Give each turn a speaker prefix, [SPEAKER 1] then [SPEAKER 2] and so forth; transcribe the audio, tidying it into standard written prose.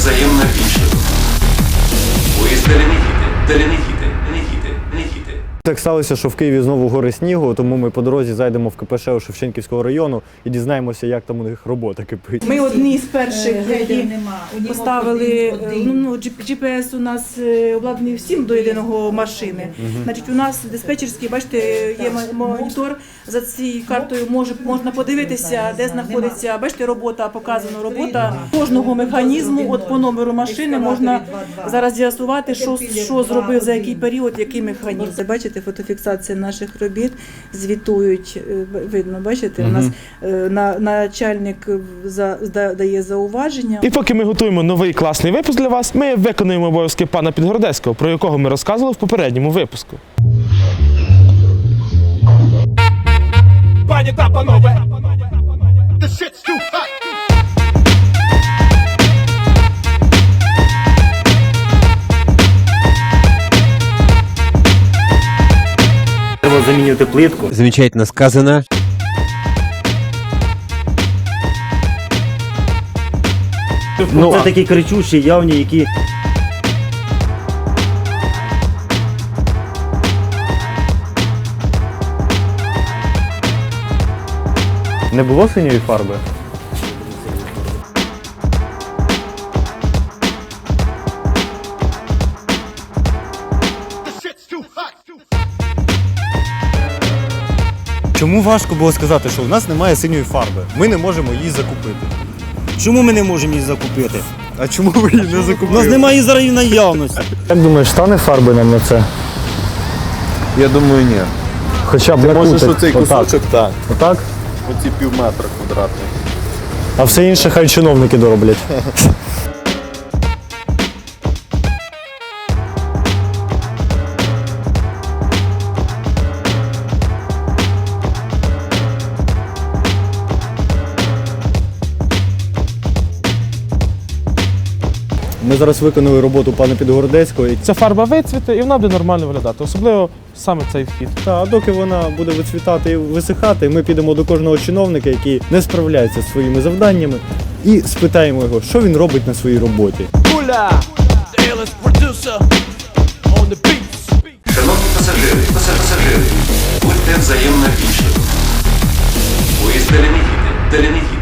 [SPEAKER 1] взаємно вічливо. Поїзд Деленегіти.
[SPEAKER 2] Так сталося, що в Києві знову гори снігу, тому ми по дорозі зайдемо в КПШ у Шевченківського району і дізнаємося, як там у них робота кипить.
[SPEAKER 3] Ми одні з перших, які поставили, GPS у нас обладнаний всім до єдиного машини. Значить, у нас диспетчерський, бачите, є монітор, за цією картою можна подивитися, де знаходиться, бачите, робота, показана робота кожного механізму, от по номеру машини можна зараз з'ясувати, що зробив, за який період, який механізм. Бачите, фотофіксація наших робіт, звітують, видно, бачите, у нас начальник дає зауваження.
[SPEAKER 4] І поки ми готуємо новий класний випуск для вас, ми виконуємо обов'язки пана Підгородецького, про якого ми розказували в попередньому випуску. Пані та панове!
[SPEAKER 5] Треба замінювати плитку.
[SPEAKER 6] Замечательно сказано.
[SPEAKER 5] Це такі кричущі, явні, які...
[SPEAKER 2] Не було синьої фарби?
[SPEAKER 7] Чому важко було сказати, що в нас немає синьої фарби? Ми не можемо її закупити.
[SPEAKER 5] Чому ми не можемо її закупити?
[SPEAKER 7] А чому ви її не закупили?
[SPEAKER 5] У нас немає її зараз в наявності.
[SPEAKER 2] Як думаєш, стане фарби нам на це?
[SPEAKER 7] Я думаю, ні.
[SPEAKER 2] Хоча б
[SPEAKER 7] Можеш
[SPEAKER 2] накрутить.
[SPEAKER 7] оцей кусочок, так.
[SPEAKER 2] Отак?
[SPEAKER 7] Оці півметра квадратних.
[SPEAKER 2] А все інше хай чиновники дороблять. Ми зараз виконали роботу пана Підгородецького.
[SPEAKER 4] Ця фарба вицвіте і вона буде нормально виглядати, особливо саме цей вхід.
[SPEAKER 2] А доки вона буде вицвітати і висихати, ми підемо до кожного чиновника, який не справляється зі своїми завданнями, і спитаємо його, що він робить на своїй роботі.
[SPEAKER 1] Шановні пасажири, будьте взаємно вічливо. Поїзд Деленегіти.